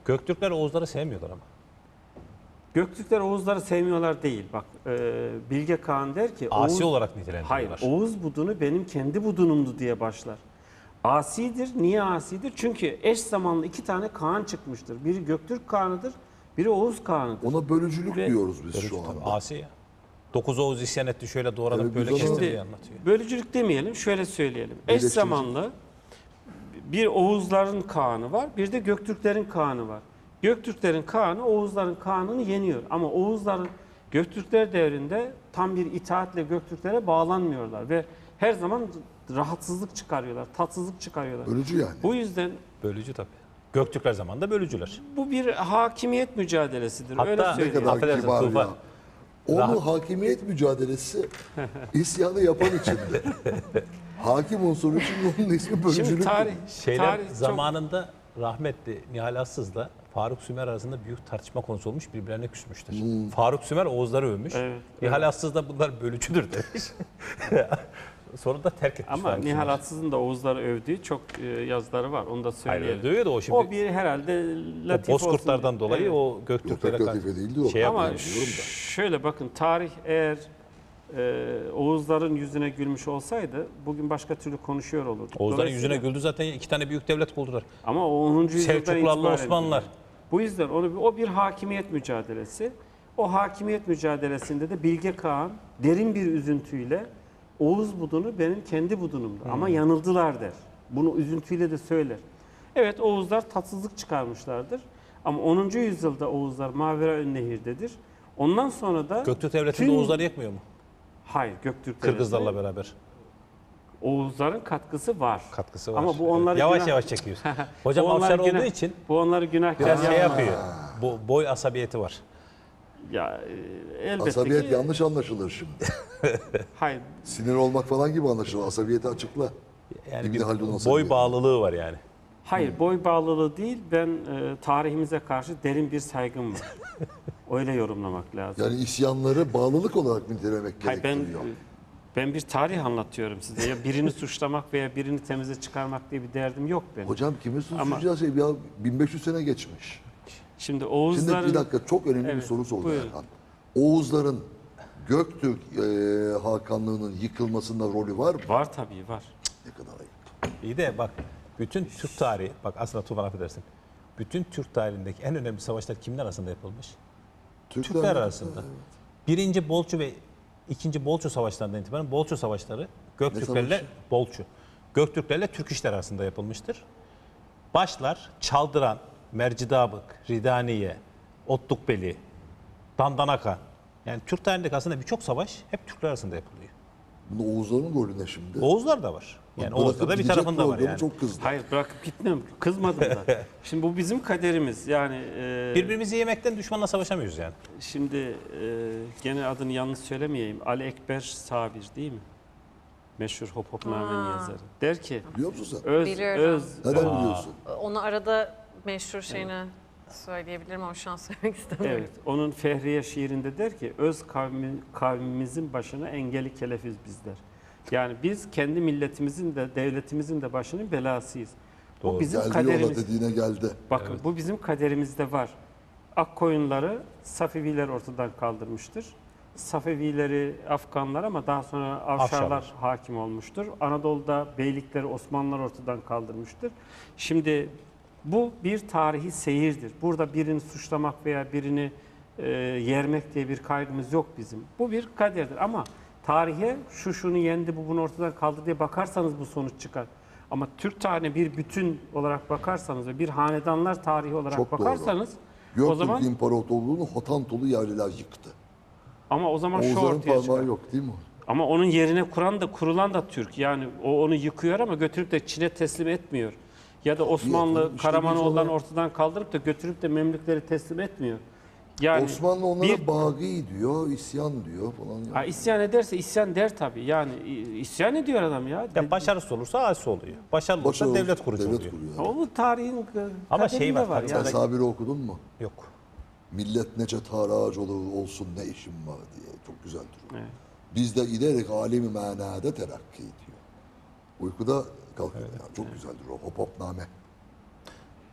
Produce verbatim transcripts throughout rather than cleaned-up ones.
Göktürkler Oğuzları sevmiyorlar ama. Göktürkler Oğuzları sevmiyorlar değil. Bak e, Bilge Kağan der ki Asi Oğuz, olarak nitelendiriyorlar. hayır, Oğuz budunu benim kendi budunumdu diye başlar. Asidir. Niye asidir? Çünkü eş zamanlı iki tane Kağan çıkmıştır. Biri Göktürk Kağan'ıdır, biri Oğuz Kağan'ıdır. Ona bölücülük Ve- diyoruz biz Bölücü şu tabii, anda. Asi ya. Dokuz Oğuz isyan etti, şöyle doğradım, Evet, böyle biz kestim onu- diye Şimdi anlatıyor. bölücülük demeyelim, şöyle söyleyelim. Eş Birleştirici. zamanlı bir Oğuzların Kağan'ı var, bir de Göktürklerin Kağan'ı var. Göktürklerin Kağan'ı Oğuzların Kağan'ını yeniyor. Ama Oğuzların Göktürkler devrinde tam bir itaatle Göktürklere bağlanmıyorlar ve her zaman rahatsızlık çıkarıyorlar, tatsızlık çıkarıyorlar. Bölücü yani. Bu yüzden Bölücü tabii. Göktürkler zamanında bölücüler. bu bir hakimiyet mücadelesidir. Hatta Öyle ne Ne söyleyeyim. kadar Affedersin, kibar Tufan. ya. Onun Rahat- hakimiyet mücadelesi isyanı yapan içindi. Hakim unsuru için onun ismi bölücülük. Şimdi tarih, Şeyler tarih çok- zamanında rahmetli Nihal Assız'la Faruk Sümer arasında büyük tartışma konusu olmuş, birbirlerine küsmüşler. Faruk Sümer Oğuzları övmüş. Evet, Nihal Assız da bunlar bölücüdür demiş. Sonra da terk etmiş. Ama Faruk Nihal Sümer. Atsız'ın da Oğuzları övdüğü çok e, yazıları var. Onu da Hayır, söyleyelim. dövüyor da o şimdi. O bir herhalde o latif olsun bozkurtlardan diye. dolayı Evet. o Yok, Göktürklere pek karşı latife değildi o. şey Ama yapıyor. biliyorum da. şöyle bakın, tarih eğer e, Oğuzların yüzüne gülmüş olsaydı bugün başka türlü konuşuyor olurduk. Oğuzların Dolayısıyla- yüzüne güldü zaten, iki tane büyük devlet kurdular. Ama o onuncu yüzyıldan Selçuklularla itibaren Osmanlılar. gülüyor. Bu yüzden onu o bir hakimiyet mücadelesi. O hakimiyet mücadelesinde de Bilge Kağan derin bir üzüntüyle Oğuz budunu benim kendi budunumdu. Ama yanıldılar der. Bunu üzüntüyle de söyler. Evet, Oğuzlar tatsızlık çıkarmışlardır. Ama onuncu yüzyılda Oğuzlar Maveraönnehir'dedir. Ondan sonra da Göktürk devletinde tüm- Oğuzları yekmiyor mu? hayır, Göktürk Kırgızlarla devletine beraber Oğuzların katkısı var. katkısı var. Ama bu onları yavaş günah- yavaş çekiyor. Hocam Bu onları Afşar günah- olduğu için bu onları günahkar biraz şey yapmaz. yapıyor. Bu boy asabiyeti var. Ya e, elbette Asabiyet ki yanlış anlaşılır şimdi. hayır. Sinir olmak falan gibi anlaşılır. Asabiyeti açıkla. Yani İbni bir Haldun boy asabiyeti. bağlılığı var yani. Hayır, boy bağlılığı değil. Ben e, tarihimize karşı derin bir saygım var. Öyle yorumlamak lazım. Yani isyanları bağlılık olarak nitelemek Hayır, ben gerektiriyor. ben bir tarih anlatıyorum size. Ya birini suçlamak veya birini temize çıkarmak diye bir derdim yok benim. Hocam kimi Ama- suçlayacağız? Ya bin beş yüz sene geçmiş. Şimdi Şimdi Oğuzların bir dakika, çok önemli bir Evet, soru sordu buyurun. Erhan. Oğuzların Göktürk e, Hakanlığı'nın yıkılmasında rolü var mı? var tabii, var. Ne kadar ayıp. İyi de bak bütün Türk tarihi, bak aslında Tufan affedersin. Bütün Türk tarihindeki en önemli savaşlar kimler arasında yapılmış? Türkler arasında. Birinci Bolçu ve ikinci Bolçu savaşlarından itibaren Bolçu savaşları Göktürklerle savaşı? Bolçu. Göktürklerle Türk işler arasında yapılmıştır. Başlar Çaldıran, Mercidabık, Ridaniye, Otlukbeli, Dandanaka. Yani Türk tarihindeki aslında birçok savaş hep Türkler arasında yapılıyor. Bunda Oğuzların rolü ne şimdi? Oğuzlar da var. Yani Bırakıp Oğuzlar da bir gidecek tarafında var programı yani. Çok kızdı. Hayır, bırakıp gitmem. Kızmadım da. Şimdi bu bizim kaderimiz. Yani e, Birbirimizi yemekten düşmanla savaşamıyoruz yani. şimdi e, gene adını yanlış söylemeyeyim. Ali Ekber Sabir değil mi? Meşhur Hop Hopname'nin Aa. yazarı. Der ki Biliyor musun sen? öz Biliyorum. öz Neden biliyorsun? Onu arada meşhur şeyini söyleyebilirim ama şu an söylemek istemiyorum. evet, onun Fehriye şiirinde der ki öz kavmi, kavmimizin başına engeli kelefiz bizler. Yani biz kendi milletimizin de devletimizin de başının belasıyız. Doğru. Bu bizim Geldi kaderimiz. yola dediğine geldi. Bakın bu bizim kaderimizde var. Akkoyunları Safeviler ortadan kaldırmıştır. Safevileri Afganlar ama daha sonra Avşarlar Afşarlar. hakim olmuştur. Anadolu'da beylikleri Osmanlılar ortadan kaldırmıştır. Şimdi bu bir tarihi seyirdir. Burada birini suçlamak veya birini e, yermek diye bir kaygımız yok bizim. Bu bir kaderdir ama tarihe şu şunu yendi, bu bunu ortadan kaldırdı diye bakarsanız bu sonuç çıkar. Ama Türk tarihine bir bütün olarak bakarsanız ve bir hanedanlar tarihi olarak Çok doğru. bakarsanız o Göktürk zaman İmparatorluğu'nu Hotantolu yerliler yıktı. ama o zaman şu Oğuzların ortaya çıkar. parmağı yok değil mi? Ama onun yerine kuran da kurulan da Türk. Yani o onu yıkıyor ama götürüp de Çin'e teslim etmiyor. Ya da Osmanlı efendim, işte Karamanoğulları'nı biz ona- ortadan kaldırıp da götürüp de Memlükleri teslim etmiyor. Yani Osmanlı onlara bir- bagi diyor, isyan diyor falan. Ha, isyan ederse isyan der tabii. Yani i- isyan ediyor adam ya. Ya başarısız olursa asi oluyor. Başarılı olursa Başarılı- devlet kurucu devlet oluyor. kuruyor. O bu tarihin Ama kaderinde şey var, var. tabii, yani. Sen Sabir'i okudun mu? Yok. Millet nece taracolu olsun ne işim var diye. Çok güzeldir o. Evet. Biz de giderek alemi manada terakki ediyor. Uykuda kalkıyor. Yani. Çok güzeldir o. Hop hopname.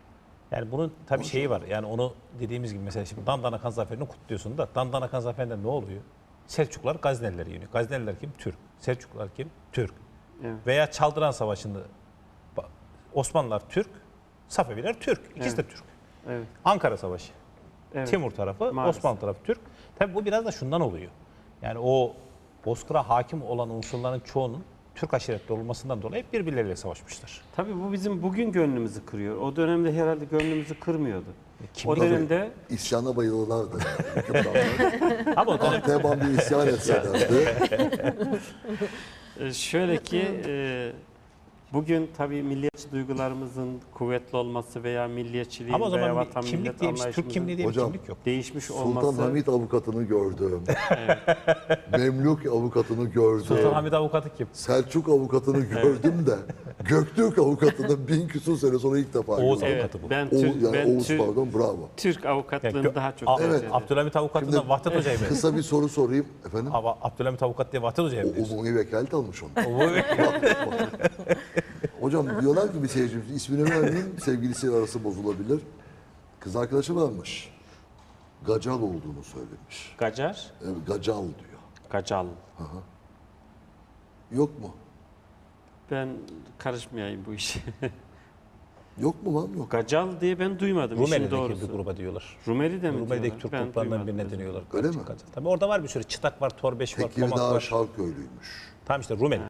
Yani bunun tabii şeyi var. Yani onu dediğimiz gibi mesela şimdi Dandanakan Zaferi'ni kutluyorsun da Dandanakan Zaferi'nde ne oluyor? Selçuklular Gaznelileri yeniyor. Gazneliler kim? Türk. Selçuklular kim? Türk. Evet. Veya Çaldıran Savaşı'nda ba- Osmanlılar Türk, Safeviler Türk. İkisi de Türk. Evet. Ankara Savaşı. Evet. Timur tarafı, Maalesef. Osmanlı tarafı Türk. Tabii bu biraz da şundan oluyor. Yani o Bozkır'a hakim olan unsurların çoğunun Türk aşiretli olmasından dolayı hep birbirleriyle savaşmışlar. Tabii bu bizim bugün gönlümüzü kırıyor. O dönemde herhalde gönlümüzü kırmıyordu. Kim o bilir? dönemde İsyana bayılırlardı. Hükümdarlar. Ama o dönem Teban bir isyan etselerdi. e, şöyle ki e, bugün tabii milliyetçi duygularımızın kuvvetli olması veya milliyetçiliğin ama o veya zaman bir vatan kimlik millet diye bir şey, Türk anlayışımızın kimliği diye bir Hocam, kimlik yok. değişmiş Sultan olması. Hamid avukatını gördüm. Memlük avukatını gördüm. Sultan Hamid avukatı kim? Selçuk avukatını gördüm de Göktürk avukatını bin küsur sene sonra ilk defa Oğuz gördüm. Evet, avukatı bu. ben, Oğuz, Türk, yani ben Oğuz Türk, pardon bravo. Türk avukatlığını Gö- daha çok A- tercih Evet, ederim. Abdülhamit avukatı da Vahdet Hoca'yı mı? Kısa bir soru sorayım efendim. Ama Abdülhamit avukat diye Vahdet Hoca'yı O mı diyorsun? umumi vekalet almış onu. O- Hocam diyorlar ki bir seyircimiz ismini vermeyeyim sevgilisiyle arası bozulabilir. Kız arkadaşı varmış. Gacal olduğunu söylemiş. Gacar, Evet, gacal diyor. Gacal. Yok mu? Ben karışmayayım bu işe. Yok mu lan yok. Gacal diye ben duymadım işin Rumeli'deki doğrusu. bir gruba diyorlar. Rumeli'de mi Rumeli'deki diyorlar? Türk Ben gruplarından duymadım. birine deniyorlar. Öyle mi? Tabii orada var bir sürü. Çıtak var, Torbeş var, Tomak Tekirdağ var. Şarköylüymüş. Tamam işte Rumeli.